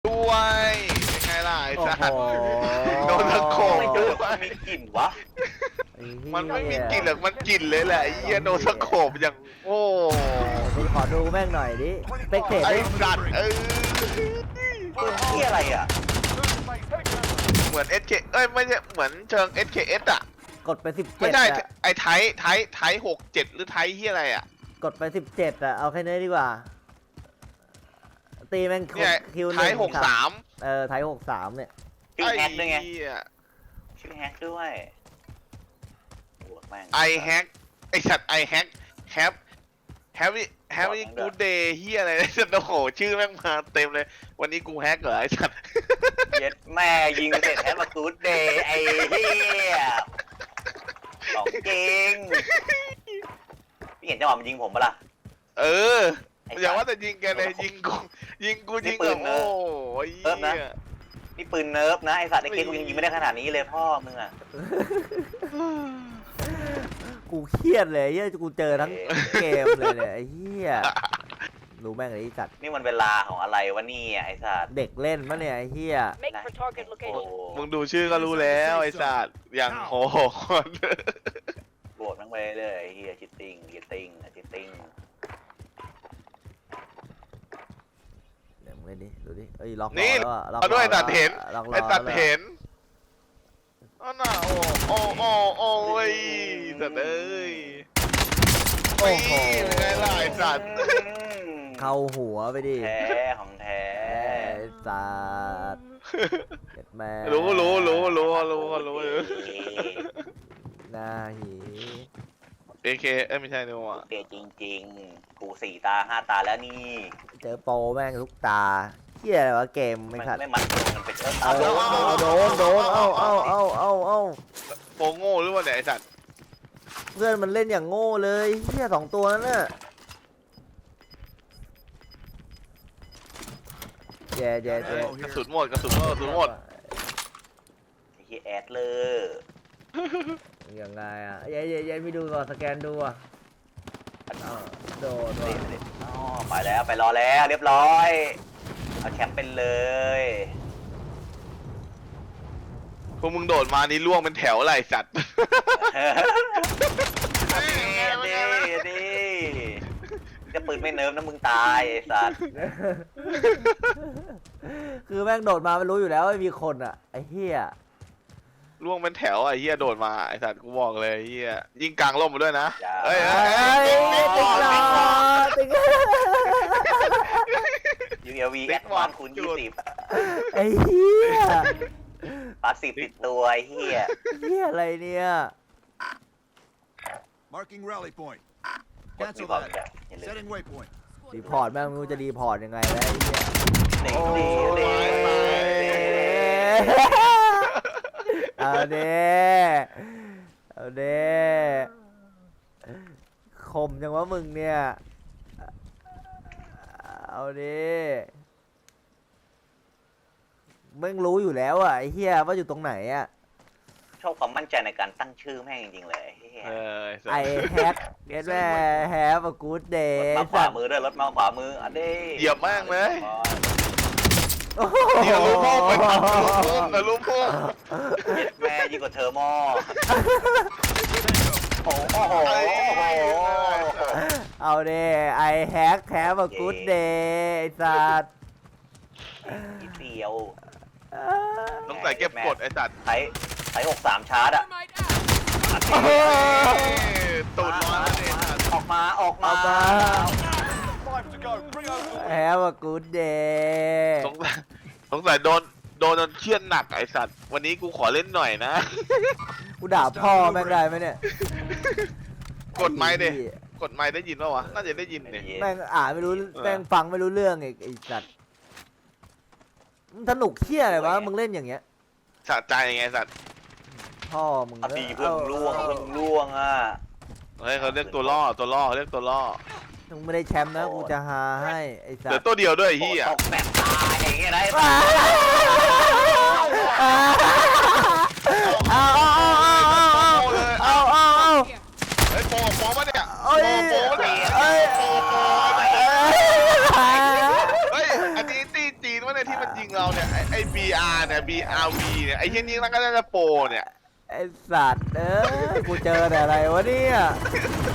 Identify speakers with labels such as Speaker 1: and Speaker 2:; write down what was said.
Speaker 1: ด้วยเป็นไงล่ะไอ้สัสโดนตะโขบ
Speaker 2: ไม่
Speaker 1: ด้
Speaker 2: ดู
Speaker 1: วย
Speaker 2: มีกลิ่นวะ
Speaker 1: มันไม่มีกลิ่นหรอกมันกลิ่นเลยแหละไอ้เหี้ยโดนตะโขบอย่างโอ้
Speaker 3: มึงขอดูแม่งหน่อยดิสเปกเตอร์
Speaker 1: ไอ้
Speaker 3: ดิ
Speaker 1: สัตว์
Speaker 2: ปืนที่อะไรอ่ะ
Speaker 1: เหมือน SK เอ้ยไม่ใช่เหมือนเชิง SKS อ่ะ
Speaker 3: กดไป17
Speaker 1: ไม่ใช่
Speaker 3: อะ
Speaker 1: ไอ้ไทย67หรือไทยที่อะไรอ่ะ
Speaker 3: กดไป17อะเอาแค่นี้ดีกว่าตีแม่ง
Speaker 1: เนี่ย
Speaker 3: คิว
Speaker 1: ไทย63
Speaker 3: ไทย63เนี่ย
Speaker 2: ชื่อแฮกด้วยไง
Speaker 1: เหี้ย
Speaker 2: ชื่อแฮกด้วยโหแม่ง
Speaker 1: ไอแฮกไอสัตว์ไอแฮกแฮปแฮปปี้แฮปปี้กูเดย์เฮียอะไรเนี่ยโอ้โหชื่อแม่งมาเต็มเลย วันนี้กูแฮกเหรอไอสัตว์
Speaker 2: เย็ดแม่ยิงเสร็จแฮกมากูดเดย์ไอ้เหี้ยของจริงพี่เห็นจังหวะมันยิงผมปะล่ะ
Speaker 1: เอออย่าว่าแต่ยิงแกเลยยิงกูแบบโอ้ยเหี้ย
Speaker 2: นี่ปืนเนิร์ฟนะไอ้สัตว์ไอ้เกมกูยังยิงไม่ได้ขนาดนี้เลยพ่อมึงอ่ะ
Speaker 3: กูเครียดเลยเฮียกูเจอทั้งเกมเลยเนี่ยไอ้เฮียรู้แม่งไอ้สัตว์
Speaker 2: นี่มันเวลาของอะไรวะนี่ไอ้สัตว์
Speaker 3: เด็กเล่นมะเนี่ยไอ้เฮีย
Speaker 4: Make for target
Speaker 2: โอ้
Speaker 4: location.
Speaker 1: มึงดูชื่อก็รู้แล้วไอสัตว์อย่างโหด
Speaker 2: โกรธทั้งไปเลยไอ้เฮียชิตติ้งชิตติ้ง
Speaker 3: เดี๋ยวมึงเล่นดิดูดิเอ้ยล็อก
Speaker 1: นี่
Speaker 3: แล้วอะล็อก
Speaker 1: เอาด้วยตัดเห็น
Speaker 3: ล็อก
Speaker 1: ไอตัดเห็นอ๋อน่ะโอ้ยสัตว์เอ้ย
Speaker 3: โอ้โห
Speaker 1: เป็นไงล่ะไอสัตว์
Speaker 3: เข้าหัวไปดิ
Speaker 2: แท้ของแท้
Speaker 3: ไอ้สัตว์เจ็ดแม่
Speaker 1: รู้
Speaker 3: หน้าหี
Speaker 1: AK เอ้ยไม่ใช่นี่หว่า
Speaker 2: เตะจริงๆ กู4 ตา 5 ตาแล้วนี่
Speaker 3: เจอโปรแม่งทุกตาเฮียอะไรวะเกมไม่ขัด
Speaker 2: ไม่มันมันเป็น
Speaker 3: โดนเอ้า
Speaker 1: โปโง่หรือว่าเนี่ยไอสัตว์
Speaker 3: เพื่อนมันเล่นอย่างโง่เลยเฮียสองตัวนั่นน่ะแย่
Speaker 1: กระสุนหมด
Speaker 2: ไอ้เหี้ยแอดเลย
Speaker 3: ยังไงอ่ะแย่ไม่ดูก่อนสแกนดูอ่ะอ้าวโดนว่ะ
Speaker 2: อ๋อไปแล้วไปรอแล้วเรียบร้อยเอาแชมป์เป็นเลย
Speaker 1: พวกมึงโดดมานี่ล่วงเป็นแถวไรสัตว์
Speaker 2: ดีจะปืนไม่เนิร์ฟนะมึงตายไอ้สัตว์
Speaker 3: คือแม่งโดดมาไม่รู้อยู่แล้วว่ามีคนอ่ะไอ้เฮีย
Speaker 1: ล่วงเป็นแถวไอ้เหี้ยโดดมาไอ้สัตว์กูบอกเลยไอ้เหี้ยยิงกลางร่มมาด้วยนะ
Speaker 3: เอ้ยติ๊กหลอติ๊ก
Speaker 2: UAV แอดวานคูณ20
Speaker 3: ไอ้เฮีย
Speaker 2: ปาสิบติดตัวไอ้เหี้ย
Speaker 3: เฮียอะไรเนี่ย
Speaker 5: Marking rally point.
Speaker 2: มี
Speaker 5: Cancel
Speaker 2: ความ
Speaker 5: that.
Speaker 2: แบบอย่าลืม
Speaker 5: Setting waypoint.
Speaker 3: รีพอร์ตแม่งไม่รู้จะรีพอร์ตยังไงแล้วไอ้เฮีย
Speaker 2: นี่
Speaker 3: โอ้
Speaker 2: นี่
Speaker 3: เอาเด้เอาเด้คมจังวะมึงเนี่ยเอาเด้มึงรู้อยู่แล้วอ่ะไอ้เฮียว่าอยู่ตรงไหนอ่ะ
Speaker 2: ชอบความมั่นใจในการตั้งชื่อแม่งจริงๆเลยไอ้เหี้ย
Speaker 3: ไอแฮกเก็ตแม่แฮปกูดเดย์
Speaker 2: มาขวามือด้วยรถมาขวามืออันนี้
Speaker 1: เหยียบแม่งเลยเดี๋ยวรู้พวกไปทำรู้พวก
Speaker 2: แม่ยิ่งกว่าเทอร์โมโอ้โห
Speaker 3: เอาเด้ไอแฮกแฮปกูดเดย์ไอสัตว์
Speaker 2: นิดเดียว
Speaker 1: ต้องใส่เก็บกดไอ้สัตว์
Speaker 2: ไถ63ชาร์จอะ
Speaker 1: ตูดร้อนเลย
Speaker 2: ออกมา
Speaker 5: 5 to go. Bring over.
Speaker 3: แฮปกูดเดย์
Speaker 1: สงสัยโดนจนเครียดหนักไอ้สัตว์วันนี้กูขอเล่นหน่อยนะ
Speaker 3: กูด่าพ่อแม่งได้ไหมเนี่ย
Speaker 1: กดไม้ดิกดไม้ได้ยินป่าวะน่าจะได้ยินเนี่ย
Speaker 3: แม่งอ่านไม่รู้แม่งฟังไม่รู้เรื่องไอ้สัตว์มึงสนุกเที่ยอะไรวะมึงเล่นอย่างเงี้ย
Speaker 1: สะใจไงสัตว์
Speaker 3: พ่อมึง
Speaker 2: อดีเพิ่งล่วงอ่ะ
Speaker 1: เฮ้ยเขาเรียกตัวล่อเขาเรียกตัวล่อ
Speaker 3: มึงไม่ได้แชมป์นะกูจะหาให้ไอ้สัต
Speaker 1: เดี๋ยว
Speaker 3: ว์
Speaker 1: ตัวเดียวด้วยไอ้เฮีย
Speaker 2: ตกแบบตายอย่างเงี้ยได้
Speaker 3: เอา
Speaker 1: เฮ้ยโปมาเนี่ย
Speaker 3: เอ้ย
Speaker 1: โปมาเนี่ย
Speaker 3: เอ้ย
Speaker 1: เฮ้ยอันนี้ตีจีนวะเนี่ยทีที่มันยิงเราเนี่ยไอ้ BR เนี่ย BRV เนี่ยไอ้เหี้ยนี่มันก็น่าจะโปรเนี่ย
Speaker 3: ไอสัตว์กูเจอแต่อะไรวะเนี่ย